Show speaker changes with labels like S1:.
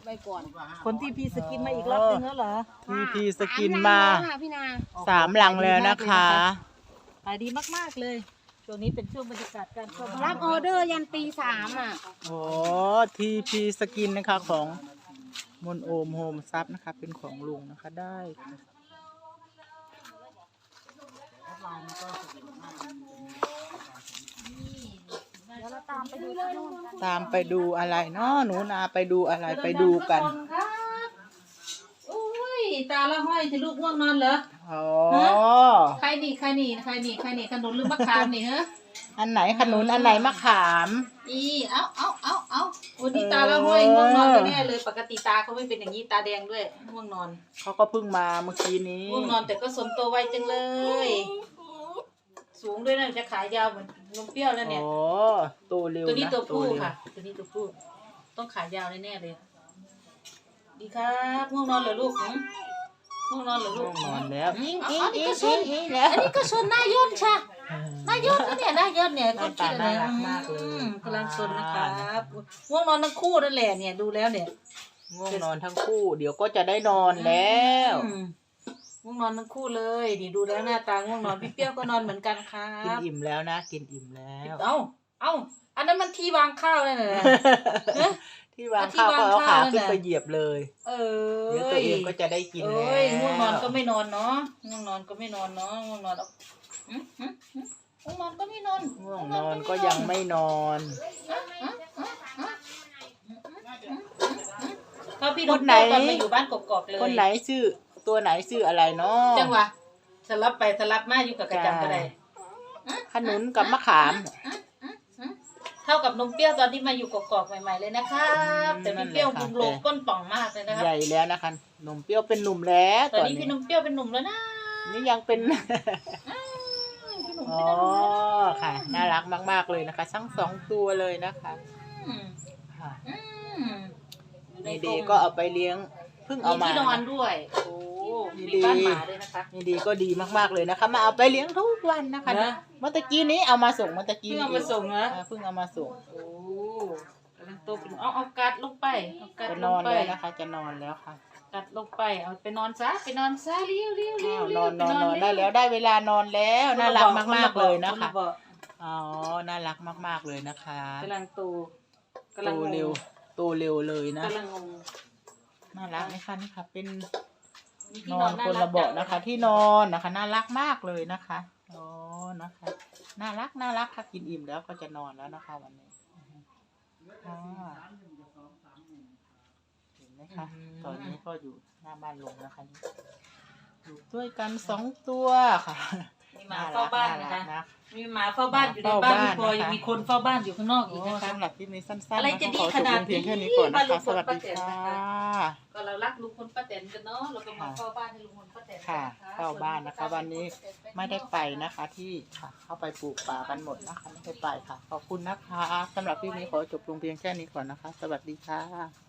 S1: ไปก่อน
S2: คนที่พีสกินมาอีกรอบนึงแล้วเหรอ
S3: ทีพีสกินมา
S1: พี่นา
S3: 3 ลังแล้วนะคะ
S2: ขายดีมากๆเลยช่วงนี้เป็นช่วงบรรยากาศการเข้า
S1: รับออเดอร์ยันตี3อ่ะ
S3: โอ้ทีพีสกินนะคะของมนโอมโฮมซับนะคะเป็นของลุงนะคะได้ค่ะ
S1: เดี๋ยวเราตามไปดูที่นู่นกัน
S3: ตามไปดูอะไรเนาะหนูนาไปดูอะไรไปดูกัน
S2: ครับอุ้ยตาละห้อยจะลูกง่วงนอนเหรอ
S3: อ๋อ
S2: ใครนี่ขนุนหรือมะขามนี่ฮะ
S3: อันไหนขนุนอันไหนมะขาม
S2: เอาวันนี้ตาละห้อยง่วงนอนแน่เลยปกติตาเขาไม่เป็นอย่างนี้ตาแดงด้วยง่วงนอน
S3: เขาก็เพิ่งมาเมื่อกี้นี้
S2: ง่วงนอนแต่ก็สมตัวไวจังเลย สูงด้วยนะจะขายยาวเหมือนนมเปรี้ยวแล้วเนี่ย
S3: โอ้โตเร็ว
S2: ตัวนี้
S3: นะ
S2: ตัวผู้
S3: เร็ว
S2: ค่ะ ตัวนี้ตัวผู้ต้องขายยาวแน่ๆเลย ดีครับง่วงนอนเหรอลูกง่วงนอนเหรอลู
S3: ง่ว
S2: ก
S3: งนอนแล้ว
S2: อันนี้ก็ชนอันนี้ก็ชนหน้ายนใช่หน้ายนนะเนี่ยหน้ายนเนี่ย
S3: หน้าตาน่ารักมากเลย
S2: กำลังชนนะครับง่วงนอนทั้งคู่นั่นแหละเนี่ยดูแล้วเนี่ย
S3: ง่วงนอนทั้งคู่ เดี๋ยวก็จะได้นอนแล้ว
S2: ง่วงนอนทั้งคู่เลยนี่ดูแล้วหน้าตาง่วงนอนพี่เปรี้ยวก็นอนเหมือนกันครั
S3: กิน
S2: บ
S3: อิ่มแล้วนะกินอิ่มแล้ว
S2: เอ้าอันนั้นมันที่วางข้าวเลยนะ
S3: ที่วางข้าวก็เอาขาขึ้นไปเหยียบเลย
S2: เออ
S3: เดี๋ยวตัวเองก็จะได้กินแล้ว
S2: ง่วงนอนก็ไม่นอนเนาะง่วงนอนก็ไม่นอนเนาะง่วงนอนเอาง่วงนอนก็ไม่นอน
S3: ง่วงนอนก็ยังไม่นอน
S2: ก็พี่น้องตอนมาอยู่บ้านกอกๆเลย
S3: คนไหนชื่อตัวไหนชื่ออะไรเนาะ
S2: จังหวะสลับไปสลับมาอยู่กับกระจำก็ได้
S3: ขนุนกับมะขาม
S2: เท่ากับนมเปรี้ยวตอนที่มาอยู่กอกๆใหม่ๆเลยนะครับแต่พี่เปรี้ยวบุงโลกก้นป่องมากเลยนะครับ
S3: ใหญ่แล้วนะคะนมเปรี้ยวเป็นหนุ่มแล้ว
S2: ตอนนี้พี่นมเปรี้ยวเป็นหนุ่มแล้วนะ
S3: นี่ยังเป็น
S2: พี่หนุ่ม
S3: อ๋อ
S2: เป็นหนุ่มแล้ว
S3: ค่ะ น่ารักมากๆเลยนะคะทั้ง2 ตัวเลยนะคะ
S2: อืม
S3: ค่ะ
S2: อืม
S3: นี่ดีก็เอาไปเลี้ยงเพิ่งเอามา
S2: ที่นอนด้วยโอ้
S3: ดี
S2: มีบ้านหมาด้วยนะคะ
S3: นี่ดีก็ดีมากๆเลยนะคะ มาเอาไปเลี้ยงทุกวันนะคะ
S2: นะ
S3: เมื่อตะกี้นี้เอามาส่งเมื่อตะกี้
S2: เพิ่งเอามาส่งนะ
S3: เพิ่งเอามาส่ง
S2: โอ้กำลังโตเป็นเอากัดลงไปเอากัด
S3: จะ
S2: ล
S3: น
S2: ง
S3: อน
S2: ไป
S3: แล้วนะคะ จะนอนแล้วค่ะ
S2: กัดลงไปเอาไปนอนซะเลี้ยวเลี้ยว
S3: อ้าวนอนได้แล้วได้เวลานอนแล้วน่ารักมากๆเลยนะคะ
S2: บอก
S3: อ๋อน่ารักมากๆเลยนะคะ
S2: กำลังโต
S3: โตเร็วโตเร็วเลยนะ
S2: กำลังงง
S3: น่ารักไหมคะนี่ค่ะเป็น
S2: มี
S3: น
S2: ที่
S3: อนคนละเบาะ
S2: จัง
S3: นะคะ ที่นอนนะคะ น่ารักมากเลยนะคะอ๋อนะคะน่ารักค่ะกินอิ่มแล้วก็จะนอนแล้วนะคะวันนี้ค่ะเห็นไหมคะตอนนี้ก็อยู่หน้าบ้านลุงนะคะนี่อยู่ด้วยกัน2 ตัวค่ะ
S2: มีหมาเฝ้าบ้านนะคะ
S3: น่ารัก
S2: มีหมาเฝ้าบ้านอยู่ในบ้านไม่พอยังมีคนเฝ้าบ้านอยู่ข้างนอกอีก
S3: โอ้
S2: นะคะ
S3: สำหรับคลิปนี้สั้นๆ
S2: อะไรจะดี
S3: ขอจบ
S2: ขนาด
S3: เพียงแค่นี้ก่อน
S2: บ้า
S3: นะ
S2: นลุ
S3: คะ
S2: งพ
S3: ส
S2: ล
S3: วัส
S2: ป้า
S3: ดี
S2: แตน
S3: ค่ะ
S2: นะคะ ก็เรารักลุงพลป้าแตนกันเนาะเราก็มาเฝ้าบ้านให้ลุงพลป้าแตน
S3: ค่ะ
S2: นะคะ
S3: เข้าบ้านนะคะ วันนี้ไม่ได้ไปนะคะที่ค่ะเข้าไปปลูกป่ากันหมดนะคะไม่ได้ไปค่ะ ขอบคุณนะคะสำหรับคลิปนี้ขอจบลงเพียงแค่นี้ก่อนนะคะ สวัสดีค่ะ